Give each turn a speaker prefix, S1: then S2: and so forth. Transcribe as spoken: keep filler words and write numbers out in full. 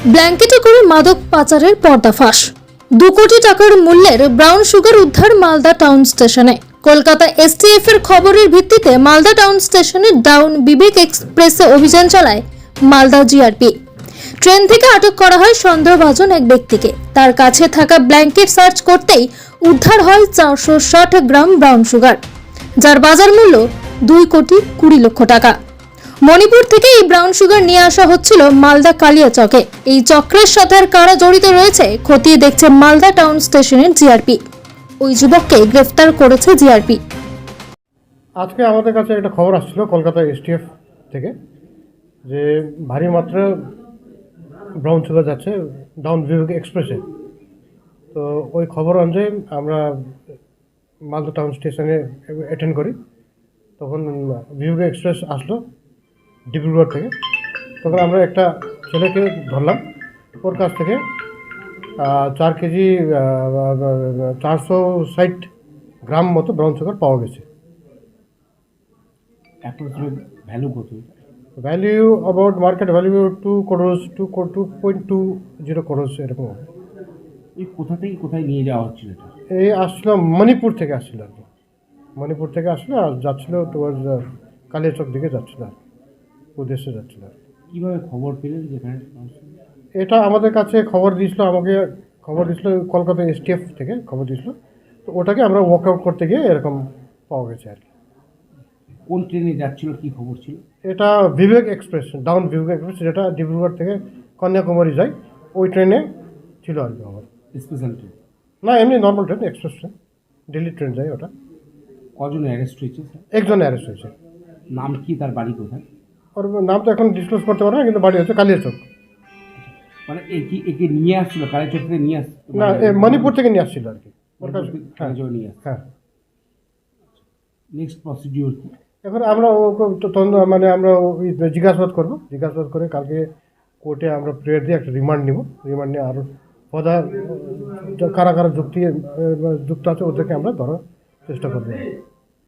S1: ব্ল্যাঙ্কেটে করে মাদক পাচারের পর্দাফাঁস। দু কোটি টাকার মূল্যের ব্রাউন সুগার উদ্ধার মালদা টাউন স্টেশনে। কলকাতা এসটিএফ এর খবরের ভিত্তিতে মালদা টাউন স্টেশনে ডাউন বিবেক এক্সপ্রেসে অভিযান চালায় মালদা জিআরপি। ট্রেন থেকে আটক করা হয় সন্দেহভাজন এক ব্যক্তিকে। তার কাছে থাকা ব্ল্যাঙ্কেট সার্চ করতেই উদ্ধার হয় চারশো ষাট গ্রাম ব্রাউন সুগার, যার বাজার মূল্য দুই কোটি কুড়ি লক্ষ টাকা। মণিপুর থেকে এই ব্রাউন সুগার নিয়ে আসা হচ্ছিল মালদা কালিয়াচকে। এই চক্রের সাথে আর কারা জড়িত রয়েছে খতিয়ে দেখছে মালদা টাউন স্টেশনের জিআরপি। ওই যুবককে গ্রেফতার করেছে জিআরপি।
S2: আজকে আমাদের কাছে একটা খবর আসছিল কলকাতা এসটিএফ থেকে যে ভারী মাত্রা ব্রাউন সুগার যাচ্ছে ডাউন বিভাগ এক্সপ্রেসে। তো ওই খবর অনুযায়ী আমরা মালদা টাউন স্টেশনে অ্যাটেন্ড করি। তখন বিভাগ এক্সপ্রেস আসলো ডিব্রুগড় থেকে। তখন আমরা একটা ছেলেকে ধরলাম, ওর কাছ থেকে চার কেজি চারশো ষাট গ্রাম মতো ব্রাউন সুগার পাওয়া গেছে।
S3: অ্যাপ্রক্সিমেট ভ্যালু কত?
S2: Value about market value two crores two two point two zero crores এরকম।
S3: এই কোথা থেকে কোথায় নিয়ে যাওয়া হচ্ছিল এটা?
S2: এই আসছিল মণিপুর থেকে আসছিল আর কি, মণিপুর থেকে আসলো আর যাচ্ছিল টুয়ার্ডস কালিয়াচক দিকে যাচ্ছিল আর উদ্দেশ্যে যাচ্ছিল।
S3: কীভাবে খবর পেলেন যেখানে?
S2: এটা আমাদের কাছে খবর দিয়েছিল, আমাকে খবর দিয়েছিল কলকাতা এসটিএফ থেকে খবর দিয়েছিল। তো ওটাকে আমরা ওয়ার্কআউট করতে গিয়ে এরকম পাওয়া গেছে আর কি।
S3: কোন ট্রেনে যাচ্ছিল, কি খবর ছিল?
S2: এটা Vivek express, down Vivek express, যেটা ডিব্রুগড় থেকে কন্যাকুমারী যায়, ওই ট্রেনে ছিল আর কি আমার।
S3: স্পেশাল ট্রেন
S2: না, এমনি normal train, express train, Delhi train যায় ওটা।
S3: কজন অ্যারেস্ট হয়েছে স্যার?
S2: একজন অ্যারেস্ট হয়েছে।
S3: নাম কি, তার বাড়ি কোথায়?
S2: ওর নাম তো এখন ডিসক্লোজ করতে পারবো না, কিন্তু বাড়ি হচ্ছে কালিয়াচক।
S3: মানে একে একে নিয়ে আসছিল কালীচক থেকে নিয়ে আসছিল?
S2: না, এ মণিপুর থেকে নিয়ে আসছিল আর কি ওর কাছে। হ্যাঁ
S3: নিয়ে আসছে।
S2: হ্যাঁ।
S3: নেক্সট প্রসিডিওর কি?
S2: এখন আমরা ওকে তদন্ত- মানে আমরা ওই জিজ্ঞাসাবাদ করবো, জিজ্ঞাসাবাদ করে কালকে কোর্টে আমরা প্রেয়ার দিয়ে একটা রিমান্ড নিব। রিমান্ড নিয়ে আরও পদা কারা কারা যুক্তি যুক্ত আছে ওদেরকে আমরা ধরার চেষ্টা করবো।